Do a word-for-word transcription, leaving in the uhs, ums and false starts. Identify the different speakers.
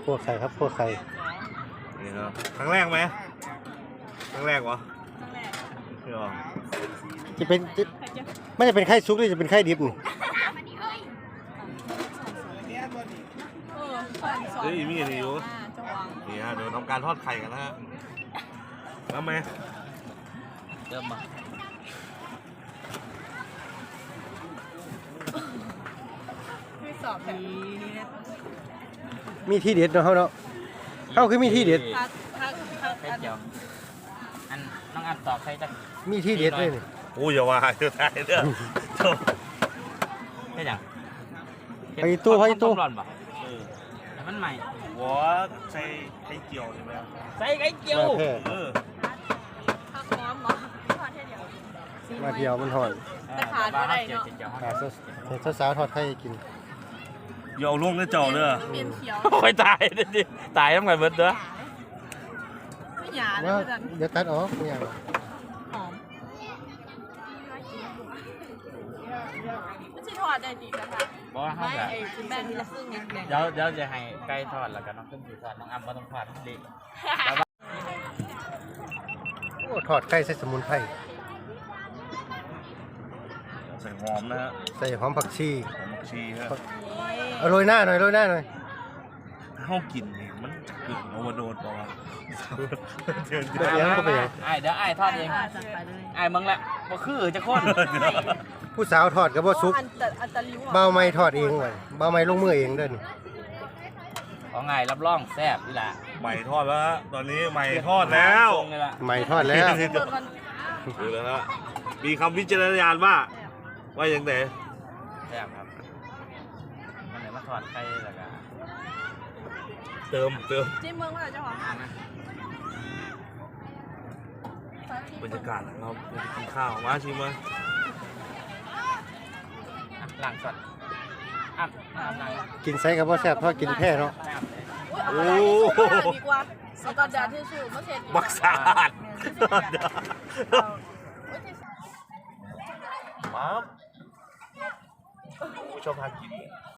Speaker 1: คั่วไข่ครับคั่วไข่
Speaker 2: นี่ครับครั้งแรกไหมครั้งแรกวะครั้งแรก
Speaker 1: จะเป็นไม่จะเป็นไข่ซุกหรือจะเป็นไข่ดิบนี่
Speaker 2: เฮ้ยมีอะไรอยู่นี่ฮะเดี๋ยวทำการทอดไข่กันนะฮะแล้วไหมเริ่มมา
Speaker 3: สอบแบบนี้
Speaker 1: มีที่เด็ดเนาะเขาเนาะเขาคือมีที่เด็ด
Speaker 3: ทักทักทัก
Speaker 4: ไข่เจียวอันน้องอันตอบใครจะ
Speaker 1: มีที่เด็ดเลยนี่
Speaker 2: โอ้ยอย่าว่าเดี๋ยวตายเด้อจบ
Speaker 4: ใช่จัง
Speaker 1: ไปตู้ไปตู้
Speaker 4: ร้อนป่ะแต่มันใหม่
Speaker 2: หัวใส่ไข่เจียวใช่ไหม
Speaker 4: ใส่ไข่เจียว
Speaker 1: มาแท้
Speaker 2: เออ
Speaker 3: ทักพร้อมเหรอทอดแค่เดียว
Speaker 1: มาเดียวมันหอน
Speaker 3: แต่ขาดไม่ได้เนาะ
Speaker 1: หาเจ้าสาวทอดไข่กิน
Speaker 2: อย่าเอาล่วงแล้วเจ้าเด้อ
Speaker 3: เปลี่ยนเขียว
Speaker 4: ค่อยตายดิตายต้องไปเบิดเด้อ
Speaker 3: ไม่หยาเล
Speaker 1: ว่าย
Speaker 3: จัน
Speaker 1: เดี๋ยวตัดออกเนี่ย
Speaker 3: หอมไม่ใช่ทอดได้ดีกันค่ะ
Speaker 4: บอกว่าเขา
Speaker 3: ไม่
Speaker 4: จะ
Speaker 3: ไอ้คุณแม่ที่ละครึ่งนิดนึง
Speaker 4: เดี๋ยวเดี๋ยวจะให้ไก่ทอดแล้วก็น้องขึ้นสีทอดน้องอัมก็ต้องทอดดี
Speaker 1: โอ้ทอดไข่ใส่สมุนไพร
Speaker 2: ใส่หอมนะฮะ
Speaker 1: ใส่หอมผักชี
Speaker 2: หอมผักชีฮะ
Speaker 1: เอาโรยหน้าหน่อยโรยหน้าหน่อย
Speaker 2: ข้าวกินนี่มันจะเกิดโอเวอร์โดสป่าวะเดี๋ยว
Speaker 1: เดี๋ยวยังก็ไปยัง
Speaker 4: ไอ้เดี๋ยวไอ้ทอดเอง
Speaker 3: จัดไปเลย
Speaker 4: ไอ้มึงละบ่คือจะคน
Speaker 1: ผู้สาวทอดกับบ่ซุก
Speaker 3: อันตะอันตะลิ้ว
Speaker 1: เบาไม้ทอดเองไว้เบาไม้ลงมือเองเด้อนี่
Speaker 4: ของไงรับรองแซ่บนี่แหละ
Speaker 2: ใหม่ทอดแล้วฮะตอนนี้ใหม่ทอดแล้ว
Speaker 4: ตรงเลยล่ะ
Speaker 1: ไม้ทอดแล้ว
Speaker 2: ดูแล้วฮะมีคำวิจารณญาณว่าว่าอย่างไร
Speaker 4: แซ่บครับมันไหนมาทอดไข่แล้วก็
Speaker 2: เติมเติม
Speaker 3: จิ้มเมืองว่าเจ้าของ
Speaker 2: บรรยากาศนะครับกินข้าวมาชิมมา
Speaker 4: หลังสดอ่ะอ่ะหลัง
Speaker 1: กินไซกับบ่แซ่บทอดกินแพ้เนาะ
Speaker 2: โอ้
Speaker 3: ดีกว่าแล้วก็เดี๋ยวที่ชื่อมาเช็ด
Speaker 2: บักสาดปั๊บผู้ชมทานกิน